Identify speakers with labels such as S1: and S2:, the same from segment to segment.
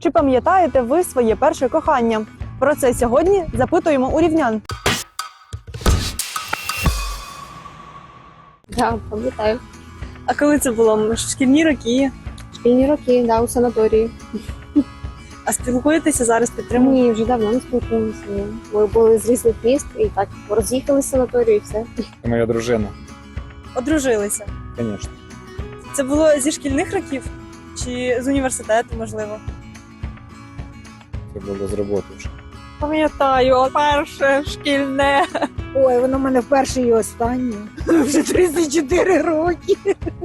S1: Чи пам'ятаєте ви своє перше кохання? Про це сьогодні запитуємо у рівнян.
S2: Так, пам'ятаю.
S1: А коли це було? Шкільні роки?
S2: Шкільні роки, да, у санаторії.
S1: А спілкуєтеся зараз, підтримуєте?
S2: Ні, вже давно не спілкуємося. Ми були з різних міст і так роз'їхалися з санаторію і все.
S3: Це моя дружина,
S1: Одружилися.
S3: звісно.
S1: Це було зі шкільних років? Чи з університету, можливо?
S3: Це було з роботи вже.
S1: Пам'ятаю, перше шкільне.
S4: Ой, воно в мене вперше і останнє. Вже 34 роки.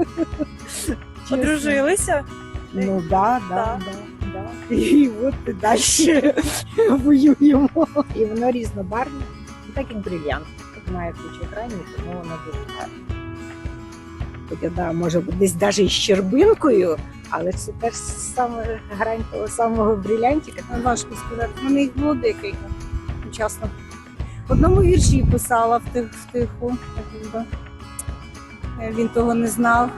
S1: Одружилися?
S4: Ну да.
S1: Так.
S4: І от і далі воюємо. І воно різнобарвне, так як брильянт. Тут має кучу екранів, тому воно дуже гарне. Хоча, да, може бути десь навіть із щербинкою, але це теж саме грань того самого брилянтика. Важко сказати. У мене їх було декілька чесно. В одному вірші писала втиху. Якби. Він того не знав.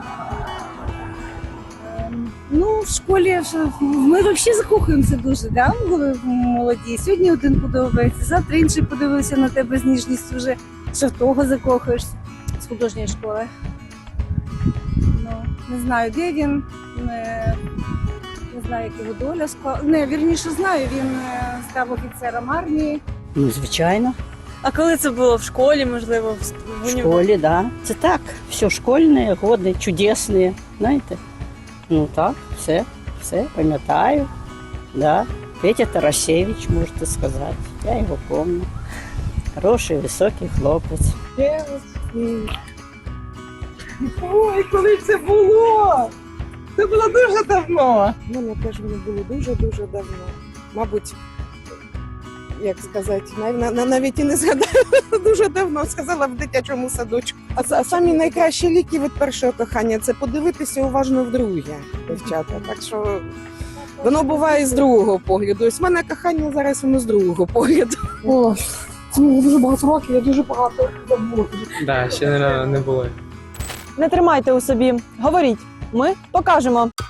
S4: Ну, в школі ми взагалі закохуємося дуже, да? Коли молоді. Сьогодні один подобається, завтра інший подивився на тебе з ніжністю вже, що в того закохуєшся з художньої школи. Ну, не знаю, де він, не знаю, як його доля склала. Не, вірніше знаю, він став офіцером армії.
S5: Ну, звичайно,
S1: А коли це було? В школі, можливо, в
S5: в школі, да. Це так, все школьне, годи, чудесні, знаєте. Ну так, все пам'ятаю, да. Петя Тарасевич, можете сказати, я його пам'ятаю. Хороший, високий хлопець.
S6: Ой, коли це було? Це було дуже давно.
S7: У мене теж воно було дуже-дуже давно. Мабуть, як сказати, навіть і не згадаю, дуже давно сказала в дитячому садочку. А самі найкращі ліки від першого кохання це подивитися уважно вдруге, дівчата. Так що воно буває з другого погляду. Ось в мене кохання зараз воно з другого погляду.
S6: О, це було дуже багато років, я дуже багато забула.
S8: Да, ще не було.
S1: Не тримайте у собі. Говоріть. Ми покажемо.